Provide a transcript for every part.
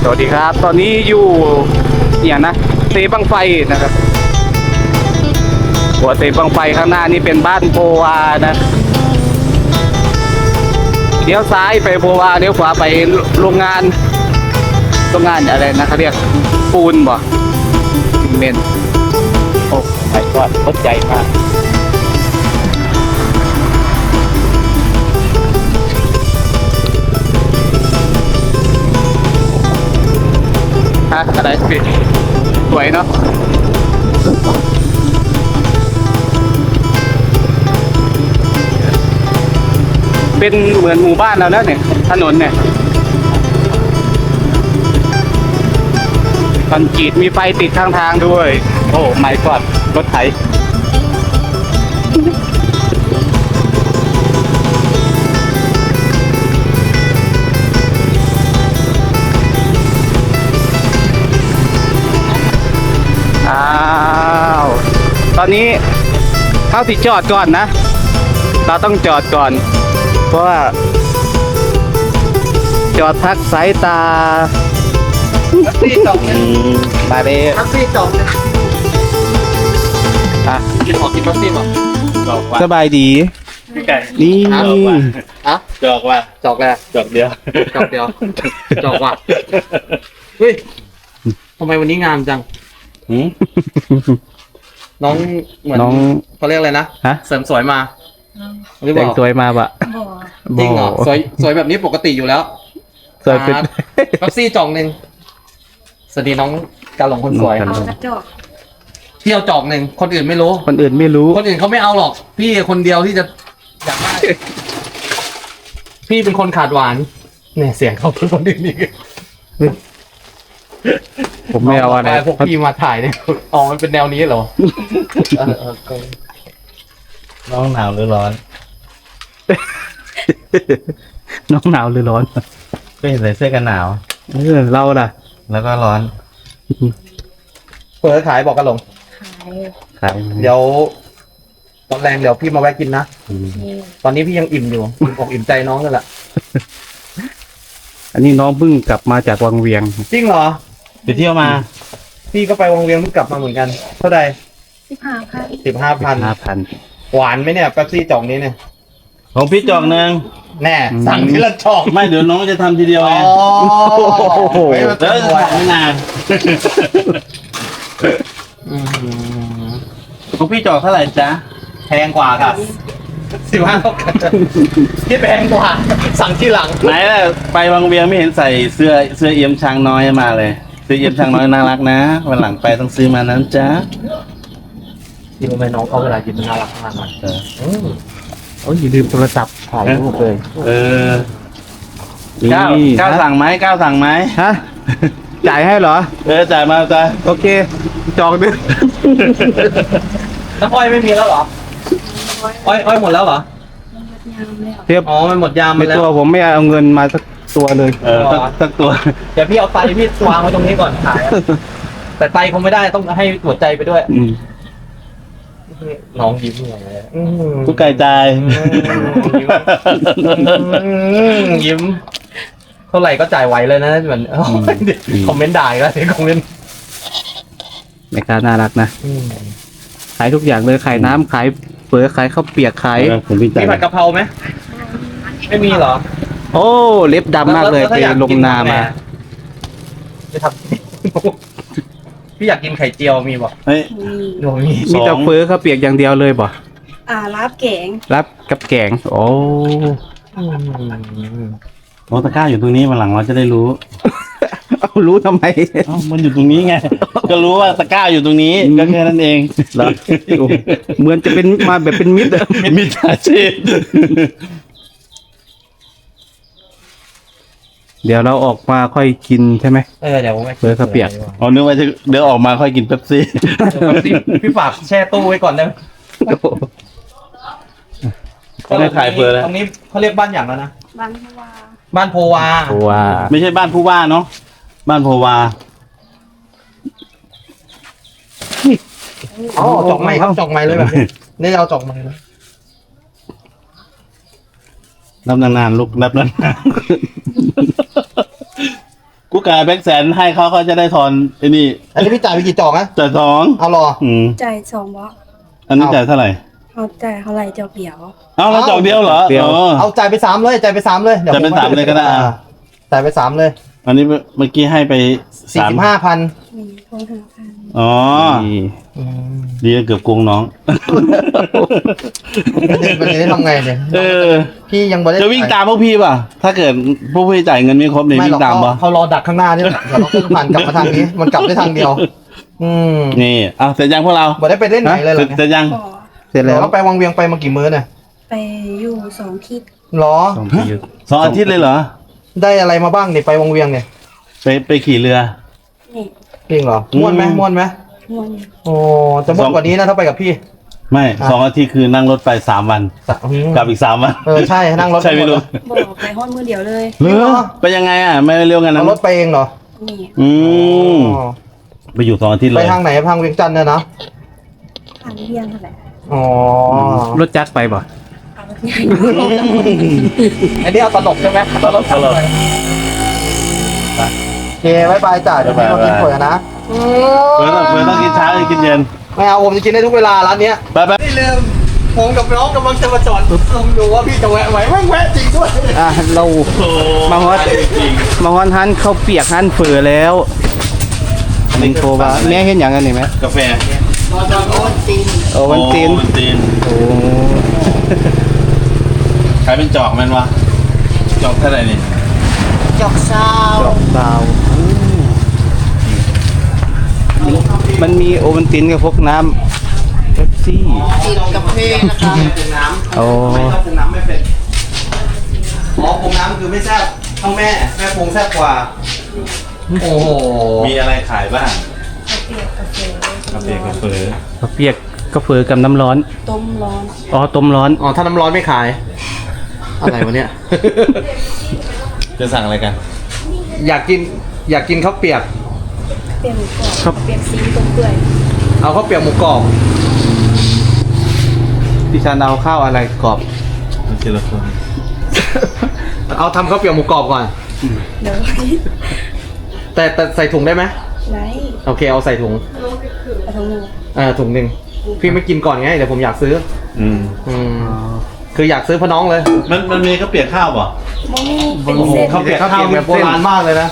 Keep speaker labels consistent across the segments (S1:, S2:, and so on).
S1: สวัสดีครับตอนนี้อยู่เนี่ยนะเซบังไฟนะครับหัวเซบังไฟข้างหน้านี่เป็นบ้านโพวานะเลี้ยวซ้ายไปโพวาเลี้ยวขวาไปโรงงานอะไรนะเขาเรียกปูนบ่ซีเมนต์โอ้ไปก่อนรถใหญ่มากอะไรพี่สวยเนาะเป็นเหมือนหมู่บ้านเราแล้วเนี่ยถนนเนี่ยคอนกรีตมีไฟติดข้างทางด้วยโอ้ไม่กอดรถไถตอนนี้เข้าสิจอดก่อนนะเราต้องจอดก่อนเพราะว่าจอดพักสายตา
S2: แท็กซี่จอดเนี่ย
S1: มาเลย
S2: แท็กซี่จอดเนี่ย
S1: อ่ะ
S2: ขอกินแท็กซี่ป่ะ
S3: จอกว่า
S1: สบายดี
S3: ไก่
S1: นี่
S3: จอกว่า
S2: อะ
S3: จอกว่า
S2: จอกแล้ว
S3: จอกเดียว
S2: จอกเดียวจอกว่ะเฮ้ยทำไมวันนี้งามจัง
S3: หืม
S2: น้องเหมือน
S1: น้อง
S2: เขาเรียกอะไรนะ
S1: ฮะ
S2: เสริมสวยมาหรือเป
S1: แต่ง
S2: ล่า
S1: สวยมาปะ
S2: จริงเหรอสวยแบบนี้ปกติอยู่แล้ว
S1: สวยเป็น
S2: แท็กซี่จอกหนึ่งสวัสดีน้องกาหลงคนสวย
S1: น้อง
S4: เอากระจก
S2: พี่เอาจอกหนึ่งคนอื่นไม่รู้
S1: คนอื่นไม่รู้
S2: คนอื่นเขาไม่เอาหรอก พี่คนเดียวที่จะอยากได้พี่เป็นคนขาดหวานเนี่ยเสียงเขาเป็นคนอื่นนี่
S1: ผมไม่เอาอะไร
S2: พวกพี่มาถ่ายเนี่ยอ๋อมันเป็นแนวนี้เหรอก็
S3: น้องหนาวหรือร้อน
S1: น้องหนาวหรือร้อน
S3: ก็เห็นใส่เสื้อกันหนาว
S1: เราล่ะ
S3: แล้วก็ร้อน
S2: เปิดขายบอกกันหลง
S4: ขาย
S1: ครับ
S2: เดี๋ยวตอนแรงเดี๋ยวพี่มาแวะกินนะ
S4: นี่
S2: ตอนนี้พี่ยังอิ่มอยู่อิ่มอกอิ่มใจน้องนั่นแหละ
S1: อันนี้น้องเพิ่งกลับมาจากวังเวียง
S2: จริงเหรอ
S3: ไปเที่ยวมา
S2: พี่ก็ไปวังเวียงเพิ่งกลับมาเหมือนกันเท่าไหร่
S4: 15 ค่ะ
S2: 15,000 หวานไหมเนี่ยแป๊บซี่จ่องนี้เนี่ย
S3: ของพี่จอกหนึ่ง
S2: แน่สั่งทีละจ่อง
S3: ไม่เดี๋ยวน้องจะทำทีเดียว
S2: อ๋
S3: ไง
S2: อไม่มา
S3: เดี๋ยว
S2: ทำไว้
S3: ไม่นาน
S2: อืม
S3: ของพี่จอกเท่าไหร่จ๊ะ
S2: แพงกว่าค่ะ15เท่ากันที่แพงกว่า สั่งที่หลัง
S3: ไหนล่ะไปวังเวียงไม่เห็นใส่เสื้อเอี่ยมช้างน้อยมาเลยเสื้อเอี่ยมช้างน้อยน่ารักนะวันหลังไปต้องซื้อมานั้นจ๊ะ
S2: ที่ทำไมน้องเขาเวลากินมันน่ารักมากเลย
S3: เออ
S1: โอ้ยอย่าลืมโทรศัพท์
S2: ถ่ายรูปเลย
S3: เออ
S1: นี่
S3: ก้าวสั่งไหมก้าวสั่งไหม
S1: ฮะจ่ายให้เหรอ
S3: จ่ายมาจ้ะ
S1: โอเค จองด้วย
S2: น้ำอ้อยไม่มีแล้วเหรอ อ้อยหมดแล้วเหรอ
S4: งามแล้ว
S1: เทียบ
S2: อ๋อ มันหมดยาม
S1: ใน
S2: ไปแล้ว
S1: ตัวผมไม่เอาเงินมาสักตัวเลย
S3: สักตัว
S2: เดี๋ยวพี่เอาไตพี่วางไว้ตรงนี้ก่อนขายอะแต่ไตคงไม่ได้ต้องให้หัวใจไปด้วย
S1: อืม
S2: น้องยิ้มอย่างเลย
S3: ทุกไก่ใจาย
S2: ยิ้ม เท่าไหร่ก็จ่ายไหวเลยนะเหมือนคอมเมนต์ด่าอีกแล้วเดี๋ยวคอมเมนต์
S1: แม่ค้าน่ารักนะ ขายทุกอย่างเลย ขายน้ำขายเปิดขายข้าวเปียกขาย
S3: ผมพี่จ่า
S2: มี
S3: ย
S2: ผัดกะเพราไหมไม่มีเหรอ
S1: โอ้ เล็บดำมากเลย
S2: แว
S1: ไป
S2: ถ้อย
S1: ลง
S2: กิ
S1: นามา
S2: จะทำ พี่อยากกินไข่เจียวมีบอก
S3: เฮ้ย
S4: มี
S2: หนูมี
S1: มีแต่เปิดข้าวเปียกอย่างเดียวเลยบ่
S4: รับแกง
S1: รับกับแกง โอ้
S3: โอ้ตะกร้าอยู่ตรงนี้วันหลังเราจะได้รู้
S1: เอารู้ทำไม
S3: เอ้ามันอยู่ตรงนี้ไง ก็รู้ว่าตะกร้าอยู่ตรงนี้ก็แค่นั้นเอง
S1: เหรอโอ้เหมือนจะเป็นมาแบบเป็นมิตรอะ
S3: มิจฉาชีพ
S1: เดี๋ยวเราออกมาค่อยกินใช่ไหม
S2: เดี๋ยวผม
S1: เปิดข้าวเปียก
S3: เอานึกว่าจะเดี๋ยวออกมาค่อยกินเป๊ปซี่
S2: พี่ฝากแช่ตู้ไว้ก่อนได้ไหม
S3: ก็ได้ขายเปิดแล้ว
S2: ตรงนี้เขาเรียกบ้านอย่างแล้วนะ
S4: บางเพราะว่า
S2: บ้านโพวา
S1: เพราะว่า
S3: ไม่ใช่บ้านผู้ว่าเนาะบ้านโพวา
S2: อ๋อจอกไม้ครับจอกไม้เลยแบบนี้นี่เอาจอกไม้เลย
S3: นับนานๆลูกนับนานๆกูกับแบ็คแสนให้เขาจะได้ทอนไอ้นี่
S2: อันนี้พี่จ่ายไปกี่จอกนะ
S3: จ่ายสอง
S2: เอารอ
S4: จ่าย2บาท
S3: อันนี้จ่ายเท่าไหร่
S4: เขาจ่ายเท่าไหร่เจ้าเดียว
S3: เอาแล้วจอกเดียวเหรออ๋อ
S2: เอาจ่ายไป3เลยจ่ายไป3เลยดี๋ว
S3: จ่ายไป3เลยก็ได้
S2: จ่ายไป3เลย
S3: อันนี้เมื่อกี้ให้ไป3
S2: 45,000
S4: มีโทรหาพัน
S3: อ๋อ ดีเกือบโกงน้อง
S2: มันจะได้ทำไงเนี่ย
S3: เออ
S2: พี่ยังบ่ได้
S3: จะวิ่งตามพวกพี่ป่ะ ถ้าเกิดพวกพี่จ่ายเงินไม่ครบเนี่ย
S2: ไม่
S3: วิ่
S2: หรอก
S3: งตามป่ะ
S2: เขารอดักข้างหน้านี่แหละเดี๋ยวเราขึ้นผ่านกลับมาทางนี้ มันกลับได้ทางเดียว
S3: นี่เอาเสร็จยังพวกเรา
S2: บ่ได้ไปเล่นไหนเลยเหรอ
S3: เสร็จยัง
S4: ก็
S1: เสร็จ
S2: เดี๋
S1: แล้
S2: ยว วไปวังเวียงไปมากี่มื้อเนี่ย
S4: ไปอยู่2ทิศ
S2: หรอ
S3: 2 อาทิตย์เลยเหรอ
S2: ได้อะไรมาบ้างเนี่ยไปวังเวียงเนี่ย
S3: ไปขี่เรือ
S4: นี่
S2: จริงเหรอม่วนไหมม่วนไหม
S4: ม่วน
S2: โอ้จะม่วนกว่านี้นะถ้าไปกับพี่
S3: ไม่ 2 อาทิตย์คือนั่งรถไป3 วัน กลับอีก3 วัน
S2: ใช่นั่งรถ
S3: ใช่ไม่รู้
S4: บอกไปฮอดมือเดียวเลย
S3: เหรอไปยังไงอ่ะ ไม่เร็วกันนะ
S2: เอารถไปเองเหรอ
S4: นี่
S3: อืม
S2: อ๋อ
S3: ไปอยู่2 อาทิตย์เล
S2: ไป
S3: ย
S2: ทางไหนทางเวียงจันทร์เนี่ยนะ
S4: ผ่านเรียนเท่าไหร่
S2: อ๋อ
S1: รถจักรไปบ่
S4: เอารถใหญ่
S2: อันนี้เอาตลกใช่ไหมตลก
S3: ตลก
S2: โอเคบายบายจ้ะเดี๋ยวพี่มากินก๋วยนะ
S3: เพื่อนต้องกินเช้าหรือกินเย็น
S2: ไม่เอาผมจะกินได้ทุกเวลาร้านเนี้ย
S3: ไป
S2: ไม่ลืมผมกับน้องกำลังจะมาจอดดูว่าพี่จะแวะไหมแม่งแวะจริงด้วย
S1: เรา
S3: โอ้
S1: มาฮอด
S3: จริง
S1: มาฮอนฮันข้าวเปียกฮันเฟือแล้วมิงโคบาแม่เห็นอย่างกันนี่ไหม
S3: กาแฟ
S1: โอวันตีน
S3: โอวันตีน
S1: โอ้
S3: ใครเป็นจอกแมันวะจอกเท่าไหร่นี่
S1: ดอกดาวมันมีโอวันตินกับพวกน้ำเป๊ปซี่
S2: กินกาแฟนะคะปรุงน้ำ
S1: โอ้
S2: ไม่ต้องปรุงน้ำไม่เป็นอ๋อปรุงน้ำคือไม่แซ่บเท่าแม่ปรุงแซ่บกว่า โอ้โห
S3: มีอะไรขายบ้าง
S4: กาแฟ
S3: กาแฟกาแฟ
S1: ข้าวเปียกก็เฟือกับน้ำร้อน
S4: ต้มร้อน
S1: อ๋อต้มร้อน
S2: อ๋อถ้าน้ำร้อนไม่ขาย อะไรวะเนี่ย
S3: จะสั่งอะไรกัน
S2: อยากกินข้าวเปียก
S4: เปียกหมูกรอบเปียกซีต้มเปื่อย
S2: เอาข้าวเปียกหมูกรอบ
S1: ดิฉันเอาข้าวอะไรกรอบ
S3: มันทีละคน
S2: เอาทำข้าวเปียกหมูกรอบก่อน
S4: เดี๋ยว
S2: แต่ใส่ถุงได้ไหม
S4: ไหน
S2: โอเคเอาใส่ถุง
S4: เอาทั้งหนึ่ง
S2: ถุงหนึ่งพี่ไม่กินก่อนไงเดี๋ยวผมอยากซื้อ
S3: อืม
S2: คืออยากซื้อพะน้องเลย
S3: มันมีข้าวเปียกข้าวป่ะ
S4: โมมี่เป็น
S2: โอ้โห
S4: เส้น
S2: ข้าวเปียกข้าวแบบโบราณมากเลยนะ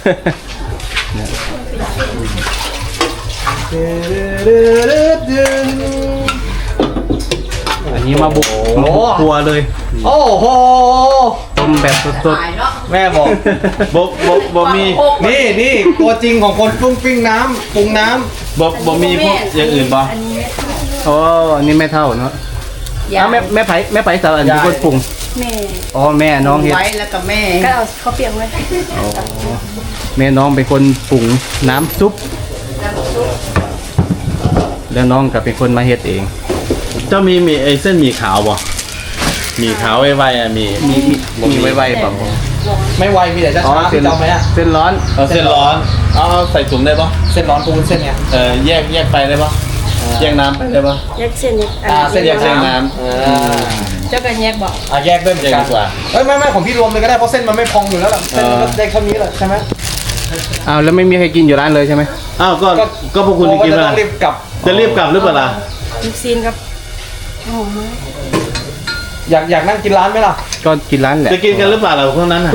S1: อันนี้มาบุก
S2: โอ้โห
S1: มาบุกครัวเลย
S2: โอ้โห
S1: ต้มแบบสด
S2: แม่บอก
S3: บ่มี
S2: นี่ตัวจริงของคนปรุงปิ้งน้ำปรุงน้ำ
S3: บ่มีพวกอย่างอื่นป่ะ
S4: อันนี้
S1: ๆอ๋ออันนี้แม่เท่าเนาะอ้าวแม่ไผ่สาวอันนี้คนปรุง
S4: แม่
S1: อ๋อแม่น้องเฮ็ด
S5: ไว้แล้วก็แม่
S4: ก็เอาข้าวเปียกไว้
S1: แม่น้องเป็นคนปรุงน้ำซุป แล้วน้องก็เป็นคนมาเฮ็ดเอง
S3: เจ้ามีไอ้เส้นหมี่ขาวป่ะหมี่ขาวไวๆอ่ะมี
S1: มีไว้ๆป่ะผม
S2: ไม่ไวมีแต่ช้าๆพี่จำไหมอะ
S1: เส้นร้อน
S3: เอาเส้นร้อนเอาใส่ถุงได้ป่ะ
S2: เส้นร้อนปูนเส้นเนี้ย
S3: แยกไปได้ป่ะแยกน้ำไปได้ป่ะ
S4: แยกเส้นนี้
S2: เส้น
S3: แยกเส้นน้
S4: เจ้ากันแยกบอก
S2: แยกด้วยเหมือนกัน
S3: แยกดีกว่า
S2: ไม่ของพี่รวมเลยก็ได้เพราะเส้นมันไม่พองอยู่แล้วล่ะเส้นมันก็ได้แค่นี้แหละใช่ไหม
S1: อ้าวแล้วไม่มีใครกินอยู่ร้านเลยใช่ไหม
S3: อ้าวก็พวกคุณจะกิน
S2: โอ้
S3: ไหม
S2: ต้องรีบกลับ
S3: จะรีบกลับหรือเปล่าล่ะ
S4: ลูกซีนครับโอ้โห
S2: อยากนั่งกินร้านไหมล่ะ
S1: ก็กินร้านแหละ
S3: จะกินกันหรือเปล่าล่ะพวกนั้นอ่ะ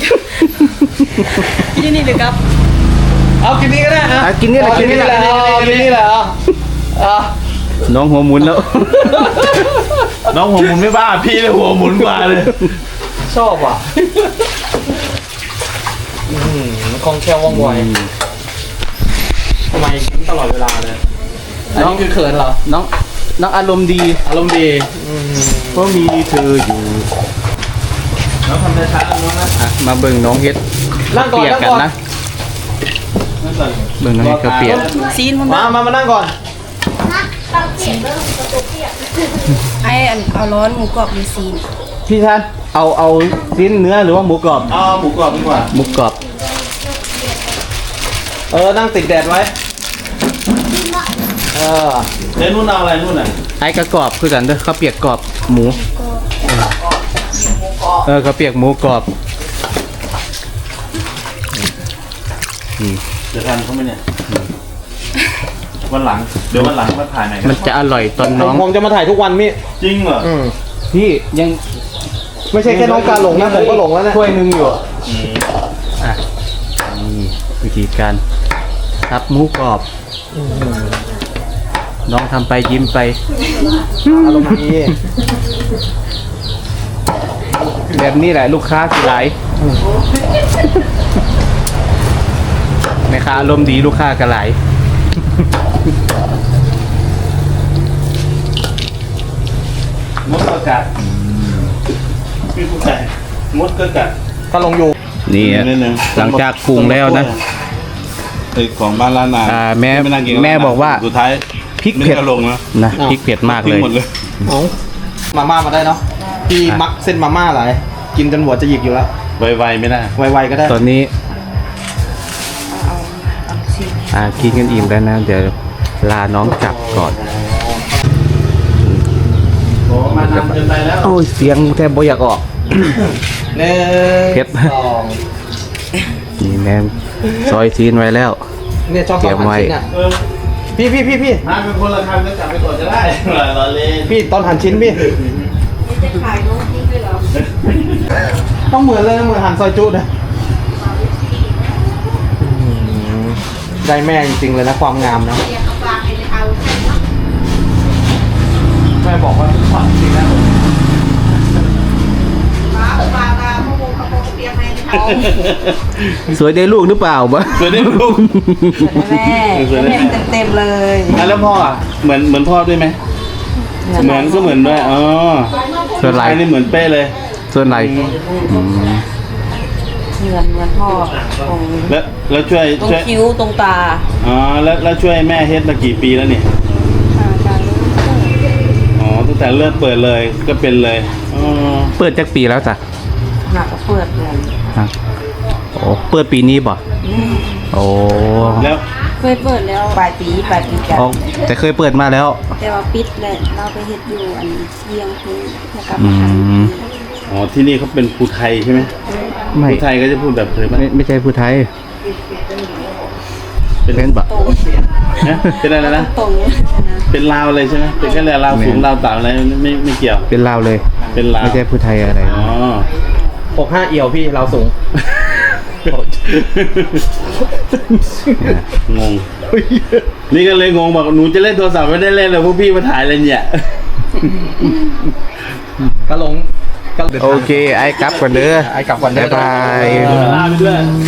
S4: ที่นี่เลยครับ
S2: เอากินนี้ก็ได้นะ
S1: อ่ะกินนี่แหละกินนี่แหละ
S2: กินนี่แหละอ่ะ
S1: น้องหัวหมุนแล้ว
S3: น้องหัวหมุนไม่บ้าพี่เลยหัวหมุนกว่าเลย
S2: ชอบว่ะคล่องแคล่วว่องไวทำไมกินตลอดเวลาเลยอันนี้คือเขินเหรอ
S1: น้องอารมณ์ดี
S2: อารมณ์ดี
S1: เพราะมีเธออยู่
S3: น้องทำช้าๆน้องนะ
S1: อ่ะมาเบิ่งน้องเฮ็ด
S2: นั่งก่อน
S1: เปียก
S2: นั่ง
S1: กัน
S2: ก่อน
S1: นะ เบิ่งน้องเฮ็ดข้าวเปียก
S4: ซีนมัน
S2: มานั่งก่อน
S4: ไอ้อันเอาร้อนหมูกรอบหรือซีน
S1: พี่ท่านเอาชิ้นเนื้อหรือว่าหมูกรอบ
S3: เอาหมูกรอบดีกว่า
S1: หมูกรอบ
S2: นั่งติดแดดไว้
S3: แล้วนู่นเอาอะไรนู่นอ่ะ
S1: ไอ้กระกรอบคือกันเด้อข้าวเปียกกรอบหมูข้าวเปียกหมูกรอบนี่
S3: จะทันเขาไหมเนี่ยวันหลังเดี๋ยววันหลังมาถ่ายหน่อย
S1: มันจะอร่อยตอนน้อง
S2: ผมจะมาถ่ายทุกวันพี่
S3: จริงเหรอ
S1: พี่ยัง
S2: ไม่ใช่แค่น้องการหลงนะผมก็หลงแล้วเนี่ย
S1: ถ้วยหนึงอยู่อ่ะนี่วิธีการทับหมูกรอบ น้องทำไปยิ้มไป
S2: อารมณ์ดี
S1: แบบนี้แหละลูกค้าสิหลายแม่ค้าอารมณ์ดีลูกค้าก็หลาย
S3: มดก็กัดพี่ผู้ชายมดก็กัด
S2: ก็หลงอยู่
S1: นี่
S3: นิดนึง
S1: หลังจากปรุงแล้วนะ
S3: ไอ้ของบ้านร้านนา
S1: แม่
S3: ไม่นั่งกิน
S1: แม่บอกว่า
S3: สุดท้าย
S1: พริกเผ็ด
S3: ไม่ไลงนะ
S1: นะพริกเผ็ดมาก
S3: ทิ้
S1: เล
S3: ง
S1: ย
S3: หมดเลย
S2: มาม่ามาได้เนาะพี่มักเส้นมาม่าหลายกินจนหัวจะหยิกอยู่แล้ว
S3: ไวๆไม่ได้
S2: ไวๆก็ได้
S1: ตอนนี้กินกันอิ่มแล้วนะ เดี๋ยวลาน้องกลับก่อน
S3: โอ้มานานเกินไปแล้ว
S1: โอ้ยเสียงแทบบ่อยากออก
S2: หนึ่ง
S1: เผ็ด
S2: สอง
S1: นี่แม่ซอยซีนไว้แล้ว
S2: เนี่ยชอบ
S1: เตรียมไว้
S2: หั่นชิ้นอ่ะ
S3: เออ
S2: พี่
S3: มาเป็นคนละคำก็จับไปก่อนจะได้รอเล่น
S2: พี่ตอนหั่นชิ้นพี่
S4: จะขายน้องนี่ด้วยเหรอ
S2: ต้องเหมือนเลยนะเหมือนหั่นซอยจุนะได้แม่จริงๆเลยนะความงามนะแม่บอกว่าขวัญจริงนะ
S1: สวยได้ลูกหรือเปล่าบะ
S3: สวยได้ลูก
S4: แม่เต็มเลย
S3: อ่ะแล้วพ่ออ่ะเหมือนพ่อด้วยไหมเหมือนก็เหมือนด้วยอ๋อ
S1: ส่วนไหน
S3: อันนี้เหมือนเป้เลย
S1: ส่วนไหนอืม
S4: เหมือนพ่อตรง
S3: แล้วช่วย
S4: คิ้วตรงตา
S3: อ๋อแล้วช่วยแม่เฮ็ดมากี่ปีแล้วเนี่ยอ๋อตั้งแต่เริ่มเปิดเลยก็เป็นเลยอ๋อ
S1: เปิดจากปีแล้วจ้ะ
S4: หนักเปิดเลย
S1: ฮะโอ้เปิดปีนี้บ่โอ้
S3: แล้ว
S4: เคยเปิดแล้วปลายปีกัน
S1: อ๋อแต่เคยเปิดมาแล้ว
S5: แต่ว่าปิดเลยเราไปเฮ็ดอยู่อันเชียงคืนแล้วก็
S1: อื
S5: มาท
S1: ม
S3: อ๋อที่นี่เขาเป็นภูไทยใช่ไหม
S1: ไม่
S3: ภูไทยก็จะพูดแบบเธอไหม
S1: ไม่ใช่ผู้ไทยเป็นบ่
S3: นะเป็นอะไรนะ
S5: ตรงนี้นะ
S3: เป็นลาวเลยใช่ไหมเป็นแค่ลาวสูงลาวต่ำอะไรไม่เกี่ยว
S1: เป็นลาวเลย
S3: เป็นลาว
S1: ไม่ใช่ผู้ไทยอะไร
S3: อ๋อ
S2: 65เอี่ยวพี่เราสูง
S3: งง นี่ก็เลยงงบอกหนูจะเล่นโทรศัพท์ไม่ได้เล่นเลยพวกพี่มาถ่ายอะไรเนี่ย
S2: ก็หลงก็
S1: โอเคไอ้กลับก่อนเด้อ
S2: ไอ้กลับก่อนเด้อ
S1: บ๊ายบาย
S3: ลาไปด้วย